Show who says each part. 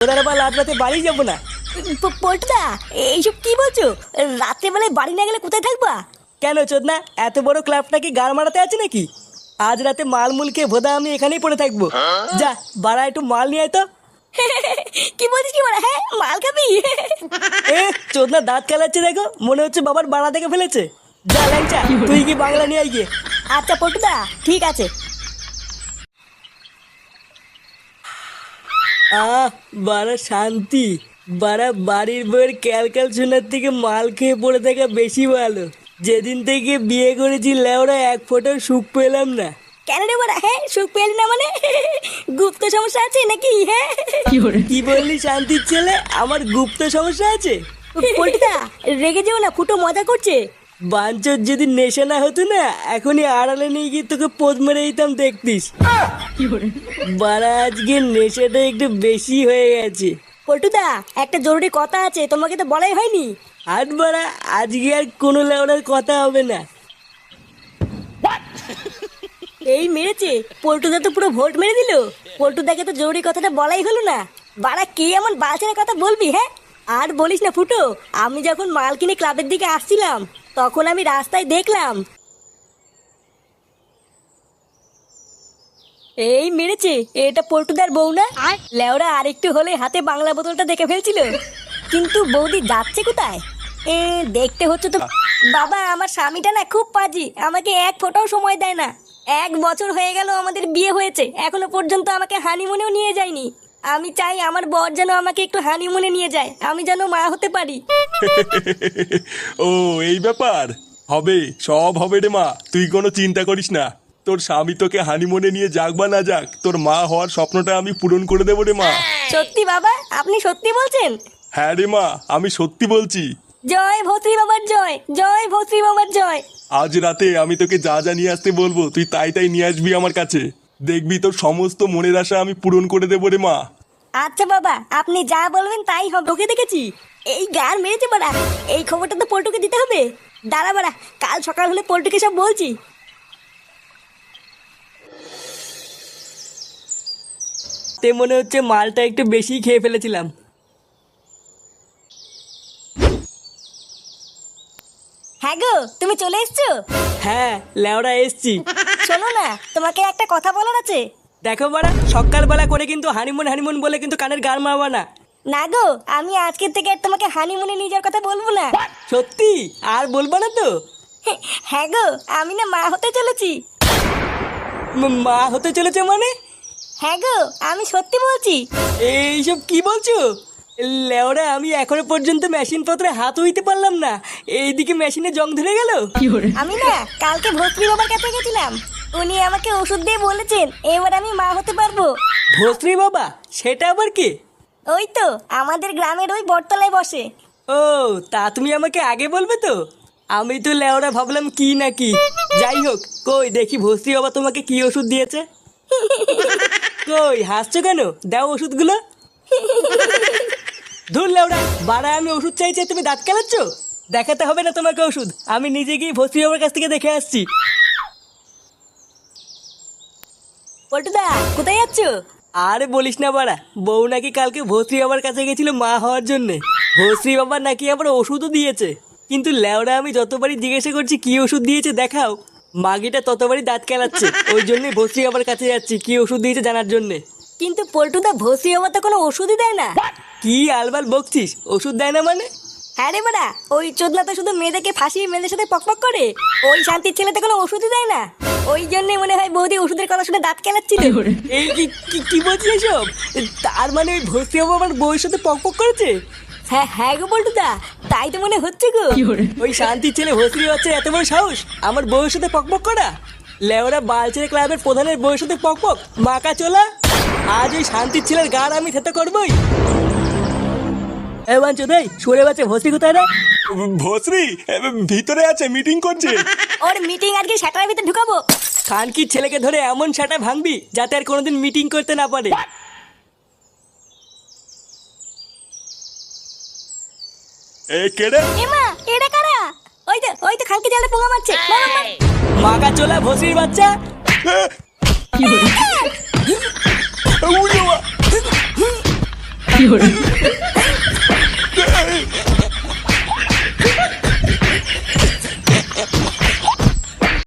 Speaker 1: ওরা আবার রাত রাতে বাড়ি যাবো না।
Speaker 2: পল্টুদা এইসব কি বলছো? রাতে বেলায় বাড়ি না গেলে কোথায় থাকবা?
Speaker 1: কেন চোদনা, এত বড় ক্লাবটা কি গাড় মারাতে আছে নাকি? আজ রাতে মালমুল খেয়ে ভোদা আমি এখানেই পড়ে থাকবো। যা বাড়া একটু মাল নিয়ে আয় তো।
Speaker 2: কি বলছিস কি বলা? হ্যাঁ মাল খাবি?
Speaker 1: এ চোদনা দাঁত কেলাচ্ছে দেখো, মনে হচ্ছে বাবার বাড়া থেকে ফেলেছে। যা ল্যাংচা, তুই কি বাংলা নিয়ে আয় গিয়ে।
Speaker 2: আচ্ছা পল্টুদা ঠিক আছে।
Speaker 1: বাড়া শান্তি। বাড়া বাড়ির বইয়ের ক্যালকাল শোনার থেকে মাল খেয়ে পড়ে থাকা বেশি ভালো। যেদিন থেকে বিয়ে করেছি লেওরা এক ফোঁটার সুখ পেলাম না।
Speaker 2: কেন রে বলা? হ্যাঁ সুখ পেলি না মানে গুপ্ত সমস্যা আছে নাকি? হ্যাঁ
Speaker 1: কি বললি শান্তির ছেলে? আমার গুপ্ত সমস্যা আছে?
Speaker 2: পল্টুদা রেগে যেও না, ফুটো মজা করছে।
Speaker 1: বাঞ্চর যদি নেশা না হতো না, এখনই আড়ালে নিয়ে গিয়ে তোকে পোদ মেরে দিতাম, দেখতিস। বাড়া আজকে নেশাটা একটু বেশি হয়ে গেছে।
Speaker 2: পল্টুদা একটা জরুরি কথা আছে, তোমাকে তো বলাই হয়নি।
Speaker 1: আর বাড়া আজকে আর কোনো লেওড়ার কথা হবে না।
Speaker 2: এই মেরেছে পল্টুদা, তো পুরো ভোট মেরে দিল। পল্টুদাকে তো জরুরি কথাটা বলাই হলো না। বাড়া কে এমন বালছেনা কথা বলবি? হ্যাঁ আর বলিস না ফুটো, আমি যখন মাল কিনে ক্লাবের দিকে আসছিলাম তখন আমি রাস্তায় দেখলাম। এই মেরেছে, এটা পল্টুদার বউ না? লেওরা আরেকটু হলে হাতে বাংলা বোতলটা দেখে ফেলছিল। কিন্তু বৌদি যাচ্ছে কোথায়? দেখতে হচ্ছে তো। বাবা আমার স্বামীটা না খুব পাজি, আমাকে এক ফোঁটাও সময় দেয় না। 1 বছর হয়ে গেল আমাদের বিয়ে হয়েছে, এখনো পর্যন্ত আমাকে হানিমুনেও নিয়ে যায়নি। আমি চাই আমার বর যেন আমাকে একটু হানিমুনে নিয়ে যায়, আমি যেন মা হতে পারি।
Speaker 3: ও এই ব্যাপার। হবে, সব হবে রে মা, তুই কোনো চিন্তা করিস না। তোর স্বামী তোকে হানিমুনে নিয়ে যাক বা না যাক, তোর মা হওয়ার স্বপ্নটা আমি পূরণ করে দেবো রে মা।
Speaker 2: সত্যি বাবা? আপনি সত্যি বলছেন?
Speaker 3: হ্যাঁ রে মা, আমি সত্যি বলছি।
Speaker 2: জয় ভৌত্রী বাবার জয়, জয় ভৌত্রী বাবার জয়।
Speaker 3: আজ রাতে আমি তোকে যা যা নিয়ে আসতে বলবো তুই তাই তাই নিয়ে আসবি আমার কাছে। দেখবি তোর সমস্ত মনের আশা আমি পূরণ করে দেবো রে মা।
Speaker 2: আচ্ছা বাবা আপনি যা বলবেন তাই হবে। ওকে দেখেছি এই গার মেরেছে বাড়া, এই খবরটা তো পল্টুকে দিতে হবে। দাঁড়া বাড়া, কাল সকাল হলে পল্টুকে সব বলছি।
Speaker 1: তে মনে হচ্ছে মালটা একটু বেশি খেয়ে ফেলেছিলাম।
Speaker 2: হ্যাঁ গো তুমি চলে এসছো?
Speaker 1: হ্যাঁ লেওড়া এসছি।
Speaker 2: শোনো না, তোমাকে একটা কথা বলার আছে।
Speaker 1: দেখো বাড়া, সকালবেলা করে কিন্তু হানিমুন হানিমুন বলে কিন্তু কানের গান মারবা না।
Speaker 2: না গো, আমি আজকের থেকে আর তোমাকে হানিমুনে নিয়ে যাওয়ার কথা বলবো না।
Speaker 1: সত্যি আর বলবা না তো?
Speaker 2: হ্যাঁ গো, আমি না মা হতে চলেছি।
Speaker 1: মা হতে চলেছে মানে?
Speaker 2: হ্যাঁ গো আমি সত্যি বলছি।
Speaker 1: এইসব কি বলছো? লেওরা আমি এখনো পর্যন্ত মেশিন পত্রে হাত হইতে পারলাম না, এইদিকে মেশিনে জং ধরে গেল।
Speaker 2: আমি না কালকে ভস্ত্রী বাবার কাছে গেছিলাম, উনি আমাকে ওষুধ দিয়ে বলেছেন এবার আমি মা হতে পারবো।
Speaker 1: ভস্রী বাবা? সেটা আবার কি?
Speaker 2: ওই তো আমাদের গ্রামের ওই বটতলায় বসে।
Speaker 1: ও তা তুমি আমাকে আগে বলবে তো, আমি তো লেওরা ভাবলাম কি না কি। যাই হোক, কই দেখি ভস্রী বাবা তোমাকে কি ওষুধ দিয়েছে। কই হাসছো কেন? দাও ওষুধগুলো। ধুর লেওরা, বাড়া আমি ওষুধ চাইছি তুমি দাঁত কেলাচ্ছ? দেখাতে হবে না তোমাকে ওষুধ, আমি নিজে গিয়ে ভস্রী বাবার কাছ থেকে দেখে আসছি।
Speaker 2: পল্টুদা কোথায় যাচ্ছ?
Speaker 1: আরে বলিস না বাড়া, বউ নাকি কালকে ভস্রী বাবার কাছে গেছিল মা হওয়ার জন্যে। ভস্রী বাবার নাকি আবার ওষুধও দিয়েছে, কিন্তু লেওরা আমি যতবারই জিজ্ঞাসা করছি কি ওষুধ দিয়েছে দেখাও, মাগিটা ততবারই দাঁত কেলাচ্ছে। ওই জন্যই ভস্রী বাবার কাছে যাচ্ছি কি ওষুধ দিয়েছে জানার জন্যে।
Speaker 2: কিন্তু পল্টুদা ভস্রী বাবা তো কোনো ওষুধই দেয় না।
Speaker 1: কি আলবাল বকছিস? ওষুধ দেয় না মানে?
Speaker 2: হ্যাঁ রে বাড়া, ওই চোদনা তো শুধু মেয়েদেরকে ফাঁসিয়ে মেয়েদের সাথে পকপক করে। ওই শান্তির ছেলে তো কোনো ওষুধই দেয় না। ওই জন্যই মনে হয় বৌদি ওষুধের কথা শুনে দাঁত কেলাচ্ছিল।
Speaker 1: এই কি বলছিস এসব? তার মানে ওই ভস্রী বাবা আমার বউয়ের সাথে পকপক করেছে?
Speaker 2: হ্যাঁ হ্যাঁ গো পল্টুদা, তাই তো মনে হচ্ছে গো।
Speaker 1: ওই শান্তির ছেলে ভস্রী হচ্ছে এত বড় সাহস আমার বউয়ের সাথে পকপক করা? লেওরা বালছেড়ে ক্লাবের প্রধানের বউয়ের সাথে পকপক? মাকা চোলা, আজ ওই শান্তির ছেলের গান আমি থেতে করবই। এ বাঞ্চো দেই সরে বাচ্চা ভস্রী কোথায় রে?
Speaker 3: ভস্রী ভিতরে আছে, মিটিং করছে।
Speaker 2: ওর মিটিং আজকে সেটার ভিতরে ঢুকাবো।
Speaker 1: খানকির ছেলেকে ধরে এমন সেটা ভাঙবি যাতে আর কোনোদিন মিটিং করতে না পারে।
Speaker 3: এ কেড়ে
Speaker 2: এমা এটা কারা? ওই তো খানকে জালে পোঙা মারছে। মার, মার, মার।
Speaker 1: মাকা চোলা ভস্রীর বাচ্চা।
Speaker 3: উড়িয়ে